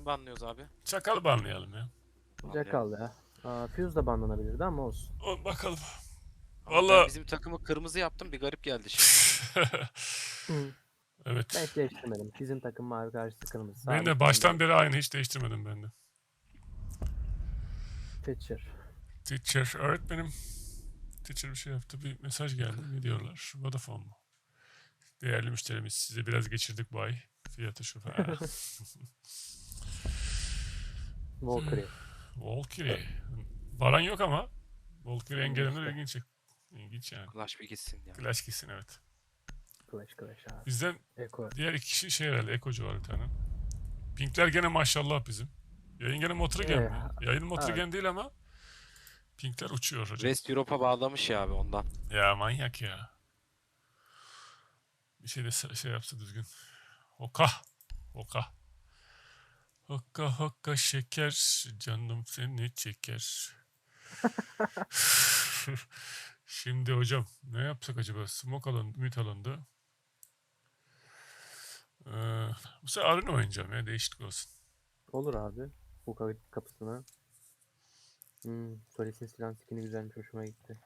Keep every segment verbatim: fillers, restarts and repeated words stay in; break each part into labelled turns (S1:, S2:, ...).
S1: Kim banlıyoruz abi?
S2: Çakalı banlayalım ya.
S3: Jackal ya. Aa, Fuse da banlanabilirdi ama olsun.
S2: O, bakalım.
S1: Ama ben
S2: Valla.
S1: bizim takımı kırmızı yaptım, bir garip geldi şimdi.
S3: Hı. Ben
S2: Evet.
S3: hiç değiştirmedim. Bizim takım mavi karşısı kırmızı.
S2: Ben de
S3: Sabit
S2: baştan
S3: bende.
S2: beri aynı, hiç değiştirmedim ben de.
S3: Teacher.
S2: Teacher, öğretmenim. Teacher bir şey yaptı. Bir mesaj geldi. Ne diyorlar? Vodafone mu? Değerli müşterimiz, size biraz geçirdik bu ay. Fiyatı şu falan.
S3: Valkyrie.
S2: Valkyrie. Varan yok ama. Valkyrie
S3: Hmm,
S2: gelenler
S3: işte.
S2: ilginç. İlginç yani.
S1: Clash bir gitsin ya.
S2: Clash gitsin, evet.
S3: Clash Clash abi.
S2: Bizden
S3: Eko.
S2: diğer iki kişi şey herhalde. Ekocu var bir tane. Pinkler gene maşallah bizim. Yayın gene Motrigen
S3: Ee,
S2: mi? Yayın
S3: abi.
S2: Motrigen değil ama Pinkler uçuyor hocam.
S1: West Europe'a bağlamış ya abi ondan.
S2: Ya manyak ya. Bir şey de se- şey yapsa düzgün. Hoka. Hoka. Hokka hokka şeker. Canım seni çeker. Şimdi hocam ne yapsak acaba? Smoke alanı, ümit alanında. Ee, bu sefer Arena oynayacağım ya, değişiklik olsun.
S3: Olur abi. Bu kapı- kapısına. Hmm, Solis'in silah skin'i güzelmiş. Hoşuma gitti.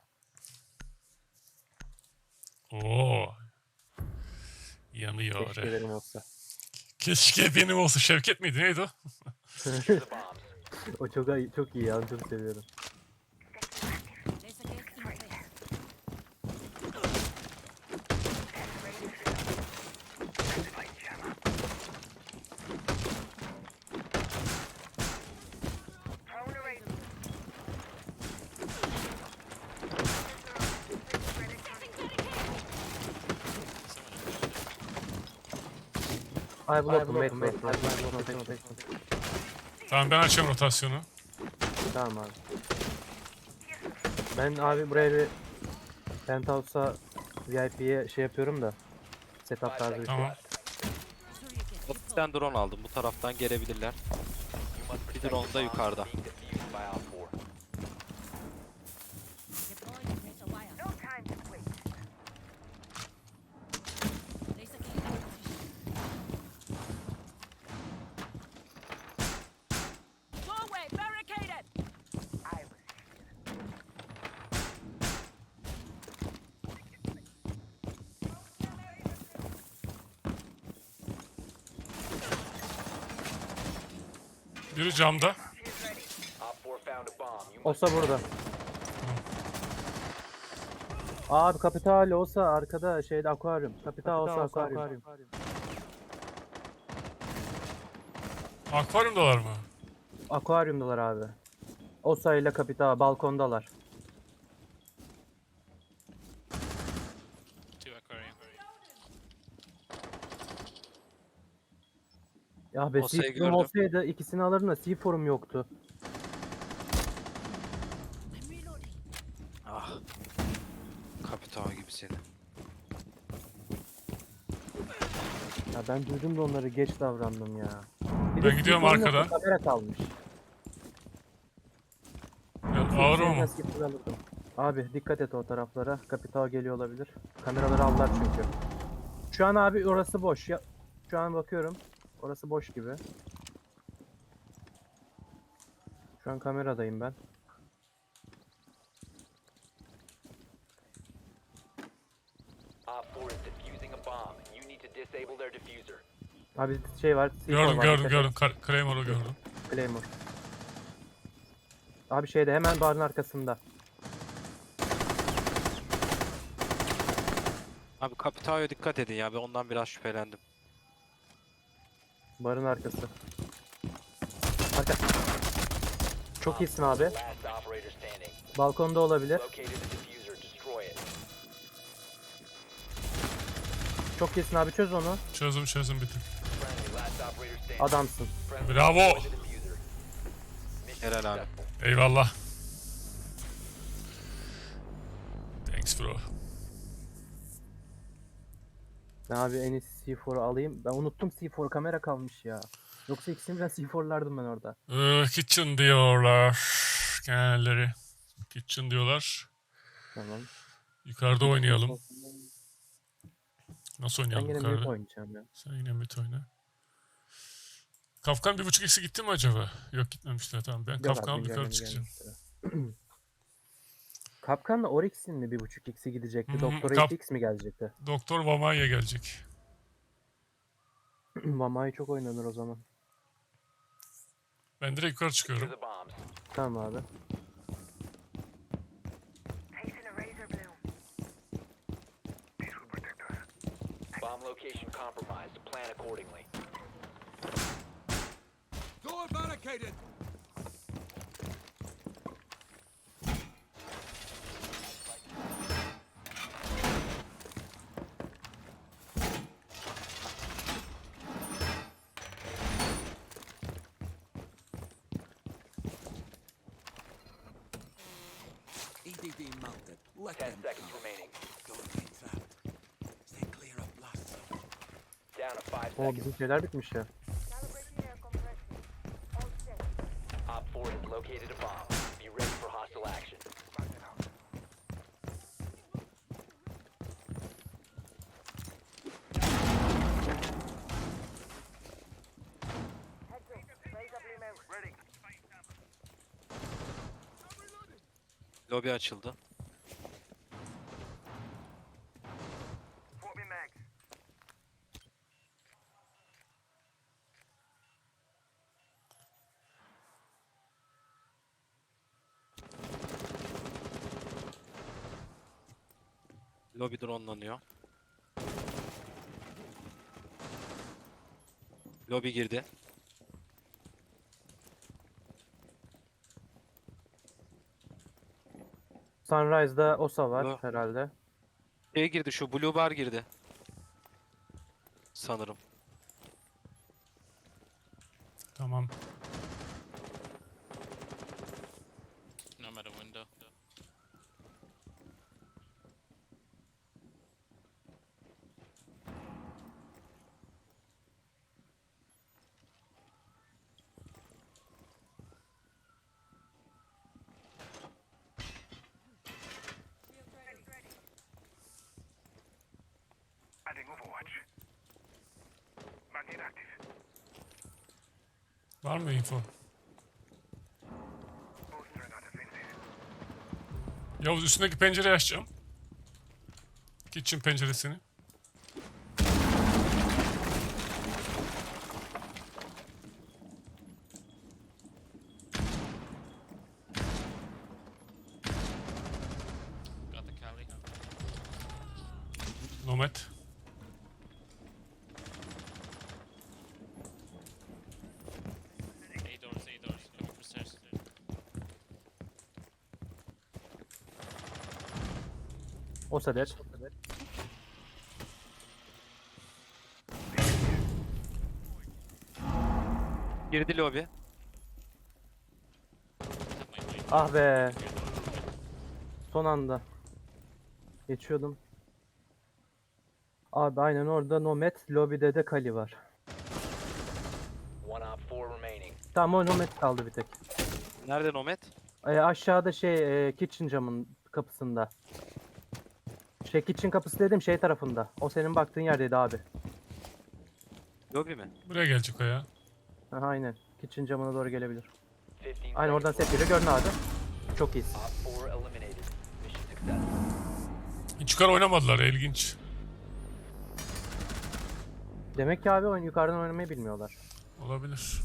S2: Oo, yanıyor.
S3: Keşke benim olsa.
S2: Keşke benim olsun. Şevket miydi? Neydi o?
S3: O çok iyi, çok iyi ya. Çok seviyorum.
S4: There's a gate in my place.
S3: I block him. Wait, wait, wait. I block him.
S2: Tamam, ben açıyorum rotasyonu.
S3: Tamam abi. Ben abi buraya bir Penthouse'a V I P'ye şey yapıyorum da. Setup tarzı bir şey.
S2: Tamam.
S4: Sure you can.
S1: Ofisten drone aldım. Bu taraftan gelebilirler. Bir drone da yukarıda.
S4: Deploying razor wire. No time to wait. There's a gate in position. Doorway barricaded.
S2: Biri camda.
S3: Olsa burada. Abi Kapital olsa arkada şeyde akvaryum. Kapital olsa akvaryum.
S2: Akvaryumdalar mı?
S3: Akvaryumdalar abi. Osa ile Kapital balkondalar. Ya be
S1: Osa'yı
S3: C four'um
S1: gördüm.
S3: olsaydı ikisini alırım da C four'um yoktu.
S4: I'm reloading.
S1: Ah. Kapital gibi seni.
S3: Ya ben duydum da onları geç davrandım ya. Bir
S2: Ben
S3: de
S2: gidiyorum
S3: C four'um yoktu,
S2: arkadan.
S3: Kamera kalmış.
S2: Biraz ağır
S3: Şey
S2: mı?
S3: nasıl alırdım. Abi dikkat et o taraflara. Kapital geliyor olabilir. Kameraları aldılar çünkü. Şu an abi orası boş. Ya, şu an bakıyorum. Orası boş gibi. Şu an kameradayım ben. Abi şey var. C four
S2: Gördüm
S3: var,
S2: gördüm
S3: dikkat
S2: gördüm.
S3: et.
S2: Kar- Claymore'u gördüm.
S3: Claymore. Abi şeyde hemen barın arkasında.
S1: Abi Kapital'e dikkat edin ya. Ben ondan biraz şüphelendim.
S3: Barın arkası. Arka. Çok iyisin abi. Balkonda olabilir. Çok iyisin abi, çöz onu.
S2: Çözdüm çözdüm bitti.
S3: Adamsın.
S2: Bravo.
S1: Helal abi.
S2: Eyvallah. Thanks bro.
S3: Ben abi en iyisi C four'u alayım. Ben unuttum, C four kamera kalmış ya. Yoksa ikisini birden C four'lardım ben orada.
S2: Ee, kitchen diyorlar. Kendileri. Kitchen diyorlar.
S3: Tamam.
S2: Yukarıda oynayalım. Nasıl
S3: Ben
S2: oynayalım
S3: yine mid
S2: yukarıda?
S3: oynayacağım ya.
S2: Sen yine mid oyna. Kafkan bir buçuk eksi gitti mi acaba? Yok gitmemişler tamam. Ben
S3: Yok
S2: Kafkan
S3: abi,
S2: alıp yukarı
S3: güncelleme
S2: çıkacağım.
S3: gelmişti. Kapkan'la Oryx'in mi bir buçuk x'i gidecekti?
S2: Hmm,
S3: Doktor
S2: Kap-
S3: iki x mi gelecekti?
S2: Doktor Vamaya gelecek.
S3: Mamai çok oynanır o zaman.
S2: Ben direkt yukarı
S5: Secure
S2: çıkıyorum.
S5: the bombs.
S3: Tamam abi.
S5: Bomb location compromised. Plan accordingly.
S6: Door barricaded! E D D mounted. Let
S5: Ten
S6: them
S5: seconds
S6: come.
S5: remaining.
S6: Don't get trapped. Stay clear of blast zone.
S5: Down to five
S3: O
S5: seconds.
S3: bizim şeyler bitmiş ya.
S5: Op four has located a bomb. Be ready for hostile action.
S1: Lobi açıldı. Lobi dronelanıyor. Lobi girdi.
S3: Sunrise'da Osa var
S1: Lo-
S3: herhalde.
S1: Şey girdi, şu Blue Bar girdi. Sanırım.
S2: Tamam.
S7: No matter window.
S2: Var mı info? Yavuz üstündeki pencereyi açacağım. Kitchen penceresini.
S7: Got the cavity.
S2: Nomad.
S7: A doors, A doors. Coming from stairs.
S3: Osa dead.
S1: Girdi lobi.
S7: Have my mic.
S3: Ah be. Son anda. Geçiyordum. Abi aynen orada Nomad, lobide de Kali var.
S5: One op four remaining.
S3: Tamam o Nomad kaldı bir tek.
S1: Nerede Nomad?
S3: Ee, aşağıda şey e, kitchen camın kapısında. Şey kitchen kapısı dedim şey tarafında. O senin baktığın yerdeydi abi.
S1: Lobi mi?
S2: Buraya gelecek o ya.
S3: Aha, aynen. Kitchen camına doğru gelebilir.
S5: Fifteen
S3: Aynen oradan
S5: seconds
S3: set geliyor. Görün abi. Çok iyisin.
S5: left. Op four eliminated. Mission successful.
S2: Hiç yukarı oynamadılar ilginç.
S3: Demek ki abi oyun yukarıdan oynamayı bilmiyorlar.
S2: Olabilir.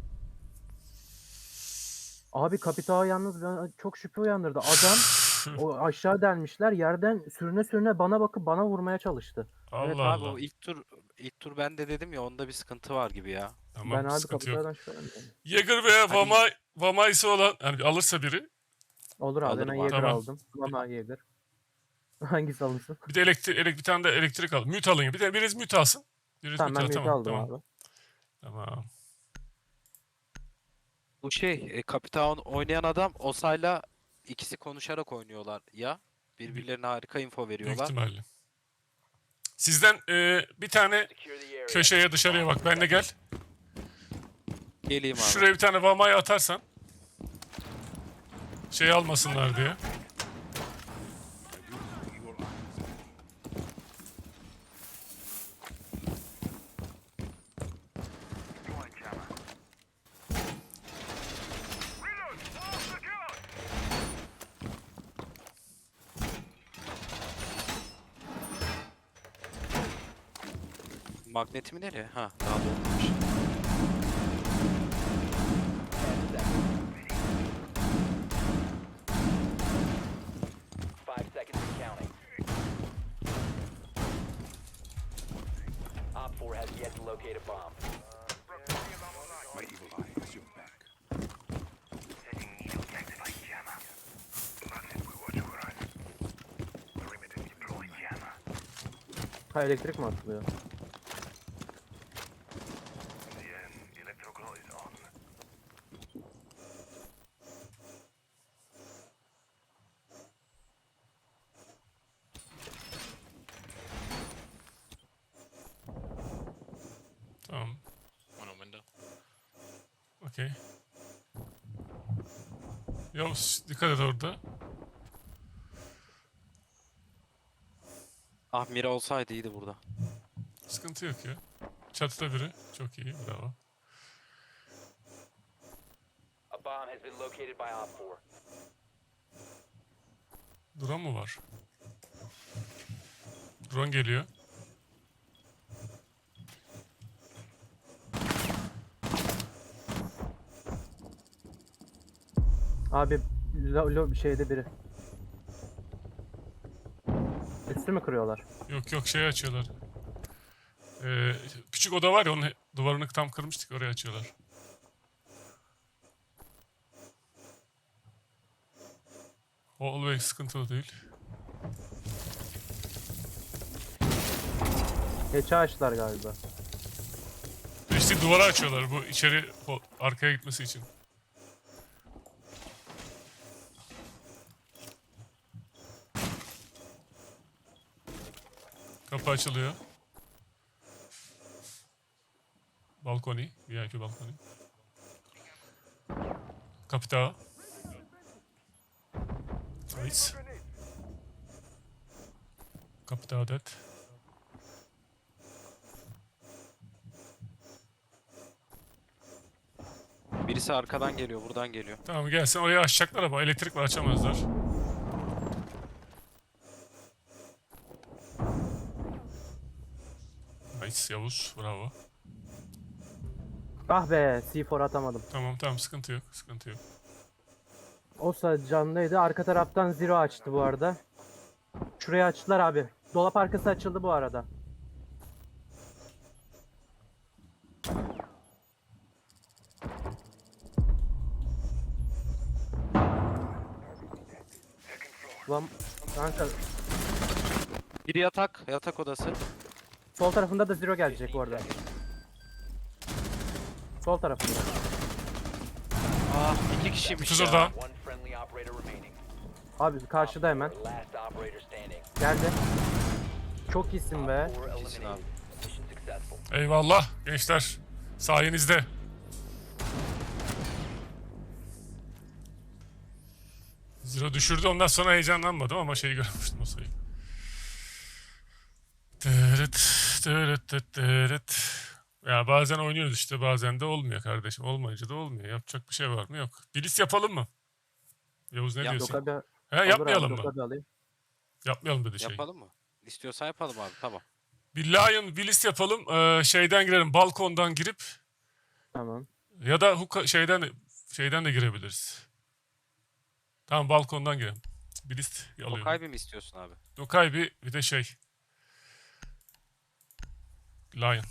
S3: Abi Kapitao yalnız bana çok şüphe uyandırdı. Adam o aşağı delmişler. Yerden sürüne sürüne bana bakıp bana vurmaya çalıştı.
S2: Allah
S1: Evet abi,
S2: Allah.
S1: o ilk tur ilk tur ben de dedim ya, onda bir sıkıntı var gibi ya.
S2: Tamam
S3: ben abi
S2: sıkıntı yok.
S3: Kapitao'dan şüphelendim.
S2: Jäger veya Vama, Vamaisi olan yani alırsa biri.
S3: Olur abi
S1: Alırım
S3: ben
S1: abi.
S3: Jäger
S2: Tamam.
S3: aldım. Mama Jäger. Hangisi alınsın?
S2: Bir de elektrik, elek, bir tane de elektrik al. Mute alın ya. Bir de biriniz mute alsın. Biriniz
S3: Tamam ben
S2: mute
S3: mute
S2: al.
S3: aldım
S2: Tamam.
S3: abi.
S2: Tamam.
S1: Bu şey e, Kapitan oynayan adam Osa'yla ikisi konuşarak oynuyorlar ya. Birbirlerine harika info
S2: Büyük
S1: veriyorlar.
S2: ihtimalle. Sizden e, bir tane
S5: Secure the area.
S2: köşeye dışarıya bak. Benle gel.
S1: Geleyim abi.
S2: Şuraya bir tane Vama'yı atarsan. Şey almasınlar diye.
S1: Magnetimi nereye? Ha, daha dolmamış.
S5: Five seconds and counting. Op four has yet to locate a bomb.
S6: My evil eye has your back.
S3: Ha, elektrik mi atılıyor?
S2: Tamam.
S7: One on window.
S2: Okey. Yavuz dikkat et orada.
S1: Ah, Mira olsaydı iyiydi burada.
S2: Sıkıntı yok ya. Çatıda biri. Çok iyi. Bravo.
S5: A bomb has been located by Op four.
S2: Drone mu var? Drone geliyor.
S3: Abi lo, lo, şeyde biri. Üstü mü kırıyorlar?
S2: Yok yok şey açıyorlar. Ee, küçük oda var ya onun he- duvarını tam kırmıştık oraya açıyorlar. Hallway sıkıntılı değil.
S3: Geçe açtılar galiba.
S2: İşte duvara açıyorlar bu içeri o- arkaya gitmesi için. Kapı açılıyor. Balkoni, V I P balkoni. Kapita. Nice. Kapita dead.
S1: Birisi arkadan geliyor, buradan geliyor.
S2: Tamam gelsin oraya açacaklar ama elektrik var açamazlar. Nice Yavuz bravo.
S3: Ah be, C dört atamadım.
S2: Tamam tamam sıkıntı yok sıkıntı yok.
S3: Olsa canlıydı. Arka taraftan Zero açtı bu arada. Şuraya açtılar abi. Dolap arkası açıldı bu arada. Lan kanka
S1: Biri yatak, yatak odası.
S3: sol tarafında da Zero gelecek bu arada. Sol tarafında.
S1: Ah, iki kişiymiş
S2: Kız
S1: ya.
S2: orada.
S5: One friendly operator remaining.
S3: Abi karşıda hemen.
S5: Last operator standing.
S3: Geldi. Çok iyisin be.
S5: Four
S1: İyisin abi.
S5: eliminated. Mission successful.
S2: Eyvallah gençler. Sayenizde. Zero düşürdü ondan sonra heyecanlanmadım ama şeyi görmüştüm o sayıyı. Tırıt, tırıt, tırıt, tırıt. Ya bazen oynuyoruz işte bazen de olmuyor kardeşim. Olmayınca da olmuyor. Yapacak bir şey var mı? Yok. Bilis yapalım mı? Yavuz ne
S1: Yap,
S2: diyorsun?
S3: Doka bir,
S2: He
S3: olur
S2: yapmayalım
S3: abi,
S2: mı?
S3: Doka bir alayım.
S2: Yapmayalım dedi şey.
S1: Yapalım mı? İstiyorsan yapalım abi, tamam.
S2: Bir Lion Bilis yapalım. Ee, şeyden girelim. Balkondan girip
S3: Tamam.
S2: ya da huka, şeyden de, şeyden de girebiliriz. Tamam balkondan girelim. Bilis alıyorum.
S1: Tokay bir mi istiyorsun abi?
S2: Dokay bir, bir de şey. Lion.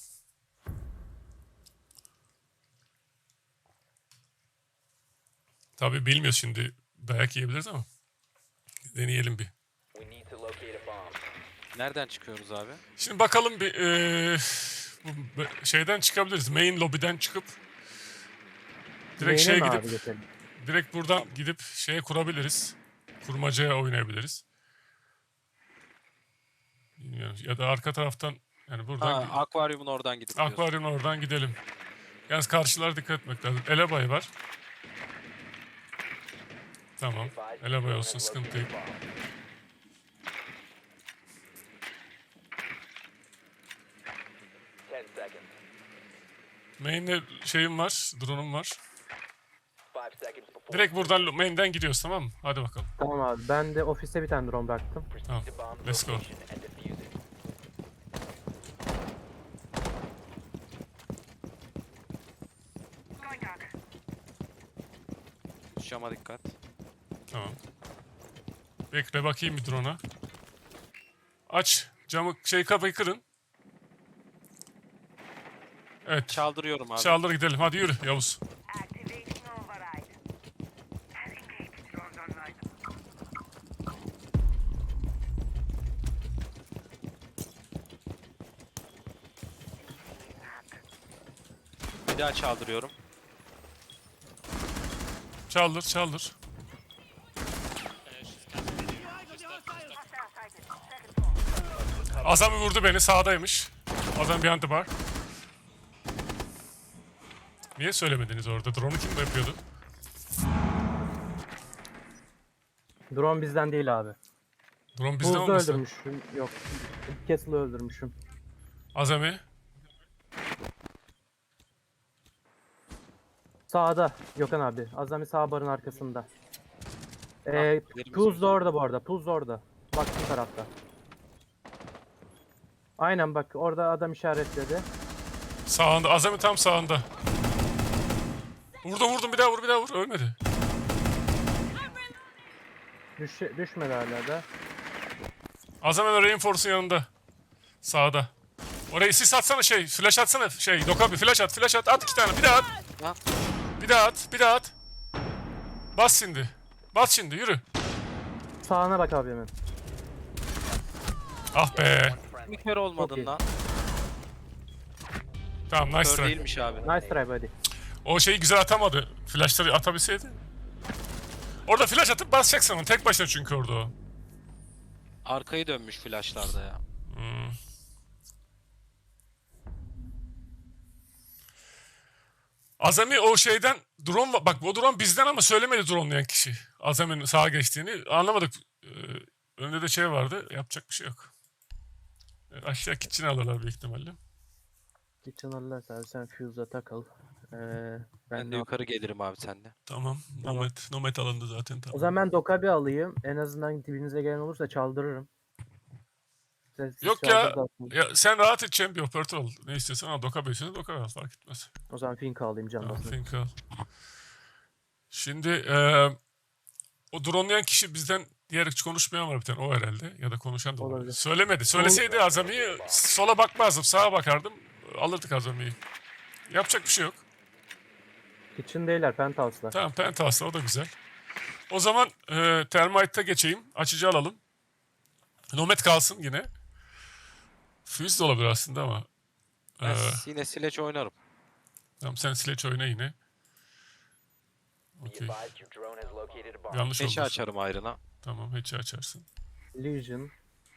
S2: Tabii bilmiyoruz şimdi. Dayak yiyebiliriz ama. Deneyelim bir.
S5: We need to locate a bomb.
S1: Nereden çıkıyoruz abi?
S2: Şimdi bakalım bir eee, bu be- şeyden çıkabiliriz. Main lobby'den çıkıp direkt
S3: Neyine
S2: şeye
S3: mi
S2: gidip
S3: abi geçelim?
S2: direkt buradan gidip şeye kurabiliriz. Kurmacaya oynayabiliriz. Bilmiyorum. Ya da arka taraftan yani buradan
S1: Ha, akvaryumun oradan gidip diyorsun.
S2: akvaryumun oradan gidelim. Yalnız karşılara dikkat etmek lazım. Elebay var. Tamam.
S5: Advised
S2: Elebay
S5: drone
S2: olsun
S5: has
S2: sıkıntı
S5: located
S2: yok.
S5: a bomb. Ten seconds.
S2: Main'de şeyim var. Drone'um var.
S5: Five seconds before.
S2: Direkt buradan lo- main'den gidiyoruz tamam mı? Hadi bakalım.
S3: Tamam abi. Ben de ofiste bir tane drone bıraktım.
S5: Proceed
S2: Tamam,
S5: to bomb
S2: let's go.
S5: location and defuse it.
S1: Cama dikkat.
S2: Tamam. Bekle bakayım bir drone'a. Aç. Camı şey kapıyı kırın. Evet.
S1: Çaldırıyorum abi.
S2: Çağlar gidelim. Hadi yürü Yavuz.
S4: Activation override.
S1: Bir daha çaldırıyorum.
S2: Çaldır çaldır.
S7: Uh, she's camping. She's stuck.
S2: Azami vurdu beni. Sağdaymış. Azami behind the bar. Niye söylemediniz orada? Drone'u kim yapıyordu?
S3: Drone bizden değil abi.
S2: Drone bizde
S3: Buzda
S2: olmasın?
S3: öldürmüşüm. Yok. Castle'ı öldürmüşüm.
S2: Azami.
S3: Sağda Gökhan abi. Azami sağ barın arkasında. Ee,
S1: elimiz
S3: Puz da orada bu arada. Puz da orada. Bak bu tarafta. Aynen bak orada adam işaretledi.
S2: Sağında. Azami tam sağında. Vurdum vurdum. Bir daha vur bir daha vur. Ölmedi.
S3: Düş, düşmedi hala da.
S2: Azami Reinforce'un yanında. Sağda. Orayı sis atsana şey. Flash atsana şey. Doka bir flash at. Flash at. At iki tane. Bir daha at.
S1: Lan.
S2: Bir daha at. Bir daha at. Bas şimdi. Bas şimdi. Yürü.
S3: Sağına bak abi hemen.
S2: Ah be.
S1: Bir kere olmadın
S3: iyi.
S1: lan.
S2: Tamam nice
S1: Kör
S2: try.
S1: değilmiş abi.
S3: Nice try buddy.
S2: O şeyi güzel atamadı. Flashları atabilseydi. Orada flash atıp basacaksın onu. Tek başına çünkü orada o.
S1: Arkayı dönmüş flashlarda ya.
S2: Hmm. Azami o şeyden drone va- bak o drone bizden ama söylemedi dronelayan kişi. Azami'nin sağa geçtiğini anlamadık. Ee, önünde de şey vardı. Yapacak bir şey yok. Evet, aşağı kitchen alırlar büyük ihtimalle.
S3: Kitchen alırlarsa abi sen fuse'a takıl. Ee,
S1: Ben
S3: ben
S1: de yukarı gelirim abi seninle.
S2: Tamam. Nomad, nomad alındı zaten tamam.
S3: O zaman ben Dokabi alayım. En azından dibinize gelen olursa çaldırırım. Siz- siz
S2: Yok ya.
S3: çaldırırsınız.
S2: Ya sen rahat et champion operatör ol. Ne istiyorsan al. Doka beşini Doka al fark etmez.
S3: O zaman Finka alayım can
S2: Tamam,
S3: basın.
S2: think al. Şimdi eee o dronelayan kişi bizden diğer hiç konuşmayan var bir tane o herhalde ya da konuşan da olabilir.
S3: Olabilir.
S2: Söylemedi. Söyleseydi Azami'yi sola bakmazdım sağa bakardım alırdık Azami'yi. Yapacak bir şey yok.
S3: Kitchen değiller Penthouse'lar.
S2: Tamam Penthouse'da o da güzel. O zaman eee Termite'da geçeyim. Açıcı alalım. Nomad kalsın yine. Fuse de olabilir aslında ama.
S1: Ben
S2: Eee
S1: yine Sledge oynarım.
S2: tamam sen Sledge oyna yine.
S5: Be
S2: Okey.
S5: advised your drone has located a bomb.
S2: Yanlış
S1: Beşi
S2: oldu.
S1: açarım ayrına.
S2: Tamam hatch'i açarsın.
S3: Legion.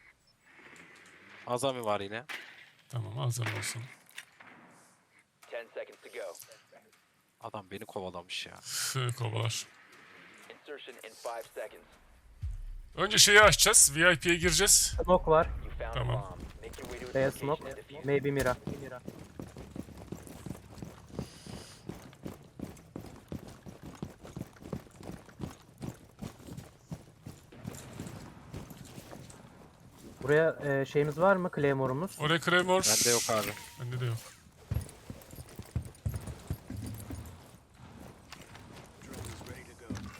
S1: Azami var yine.
S2: Tamam Azami olsun.
S5: Ten seconds to go.
S1: Adam beni kovalamış ya.
S2: Üf, kovalar.
S5: Insertion in five seconds.
S2: Önce şeyi açacağız. V I P'ye gireceğiz.
S3: Smoke var.
S5: You found
S2: Tamam.
S5: a bomb. Make your way to its
S3: Beyaz
S5: location
S3: smoke.
S5: and defuse it.
S3: Maybe Mira. Buraya e, şeyimiz var mı? Claymore'umuz.
S2: Oraya Claymore.
S1: Bende yok abi.
S2: Bende de yok.
S6: Drone is ready to go.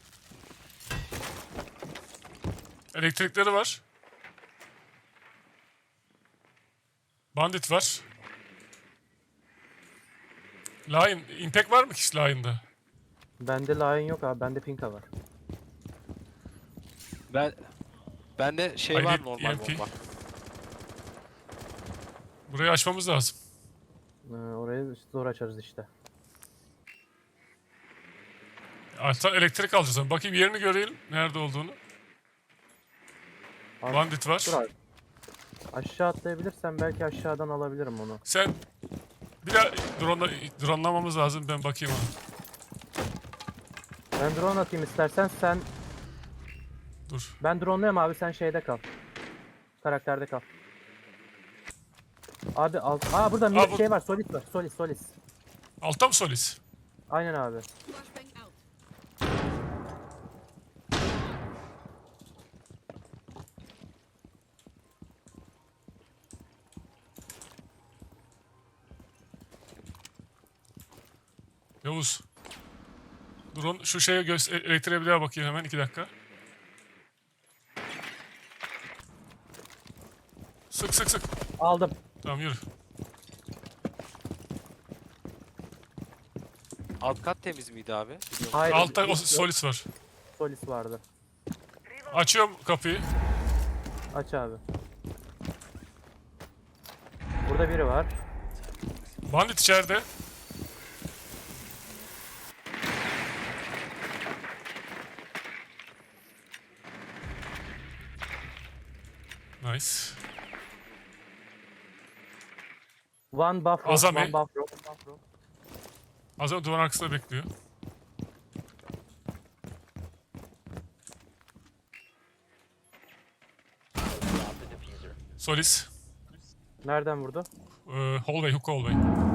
S2: Elektrikleri var. Bandit var. Lion. Impact var mı ki Lion'da?
S3: Bende Lion yok abi. Bende Finka var.
S1: Ben bende şey
S2: I
S1: var
S2: need
S1: normal
S2: E M P.
S1: bomba.
S2: Burayı açmamız lazım.
S3: Ee, orayı zor açarız işte.
S2: Altta elektrik alacağız. ama. Bakayım yerini görelim. Nerede olduğunu.
S3: Abi,
S2: Bandit var.
S3: dur abi. Aşağı atlayabilirsem belki aşağıdan alabilirim onu.
S2: Sen bir daha drone, drone'lamamız lazım. Ben bakayım ona.
S3: Ben drone atayım istersen sen...
S2: Dur.
S3: Ben drone'luyum abi sen şeyde kal. Karakterde kal. Abi al. Aa burada bir
S2: Aa, bu-
S3: şey var. Solis var. Solis Solis.
S2: Altta mı Solis?
S3: Aynen abi.
S4: Flashbang out.
S2: Yavuz. Drone şu şeye göz elektriğe bir daha bakayım hemen iki dakika. Sık sık sık.
S3: Aldım.
S2: Tamam yürü.
S1: Alt kat temiz miydi abi? Biliyor musun?
S3: Hayır.
S2: Altta o
S3: yok.
S2: solis var.
S3: Solis vardı.
S2: Açıyorum kapıyı.
S3: Aç abi. Burada biri var.
S2: Bandit içeride. Nice.
S3: One buff rock,
S2: Azami.
S3: one buff rock, buff rock.
S2: Az önce duvar arkasında bekliyor.
S5: Drop the diffuser.
S2: Solis.
S3: Nereden vurdu?
S2: Ee, hallway, hook hallway.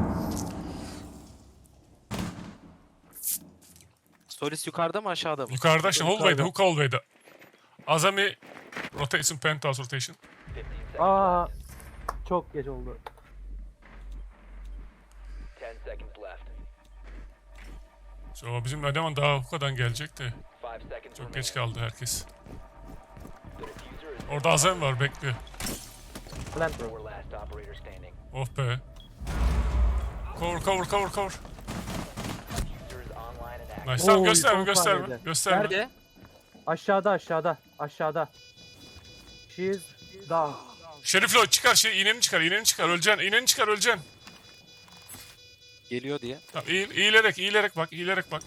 S1: Solis yukarıda mı aşağıda mı?
S2: Yukarıda işte
S3: Yukarıda.
S2: hallway'da, hook hallway'da. Azami rotation, penthouse rotation.
S5: fifteen seconds.
S3: Aa, çok geç oldu.
S5: ten seconds left.
S2: So, bizim eleman daha hook'dan gelecek de.
S5: five seconds
S2: Çok geç
S5: remaining.
S2: kaldı herkes.
S5: The diffuser is
S2: Orada Azami var, bekliyor.
S3: Plant rock.
S5: four last operator standing.
S2: Oh be. Cover, cover, cover, cover.
S5: Diffuser is online and active.
S2: Nice. Tamam
S3: Oy,
S2: gösterme,
S3: son
S2: gösterme.
S3: saniyede.
S2: Gösterme.
S1: Nerede?
S3: Aşağıda aşağıda aşağıda. She's down.
S2: Şerif Lloyd çıkar, şey, iğneni çıkar, iğneni çıkar, öleceksin, iğneni çıkar, öleceksin.
S1: Geliyor diye.
S2: Tamam, eğil, eğilerek, eğilerek bak, eğilerek bak.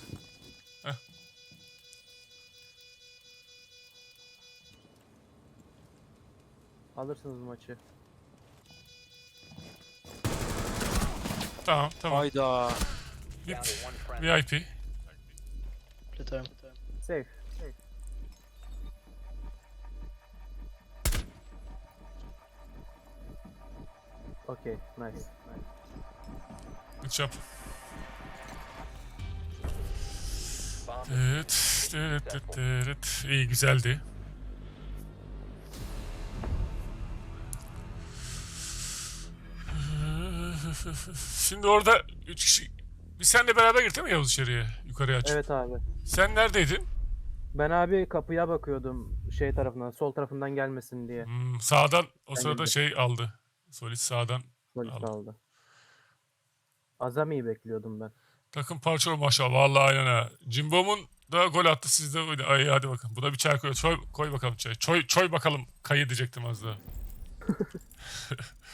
S3: Alırsınız maçı.
S2: Tamam, tamam.
S1: Hayda.
S2: V
S5: Down to one friendly.
S2: I P.
S3: Safe. Safe. Okay, nice. nice.
S2: Good job.
S5: Bomb
S2: Evet, evet, evet, evet. İyi, güzeldi. Şimdi orada üç kişi... Biz seninle beraber girdik değil mi Yavuz içeriye? Yukarıya aç.
S3: Evet abi.
S2: Sen neredeydin?
S3: Ben abi kapıya bakıyordum şey tarafından, sol tarafından gelmesin diye.
S2: Hmm, sağdan o
S3: Ben
S2: sırada
S3: girdim.
S2: şey aldı. Solis sağdan
S3: Polis
S2: aldı.
S3: aldı. Azami'yi bekliyordum ben.
S2: Takım parçalı maşallah. Vallahi aynen ha. Cimbom'un da gol attı, siz de oyna. Ay hadi bakalım. Buna bir çay koy. Çoy, koy bakalım çay. Çoy, çoy bakalım. Kayı diyecektim az daha.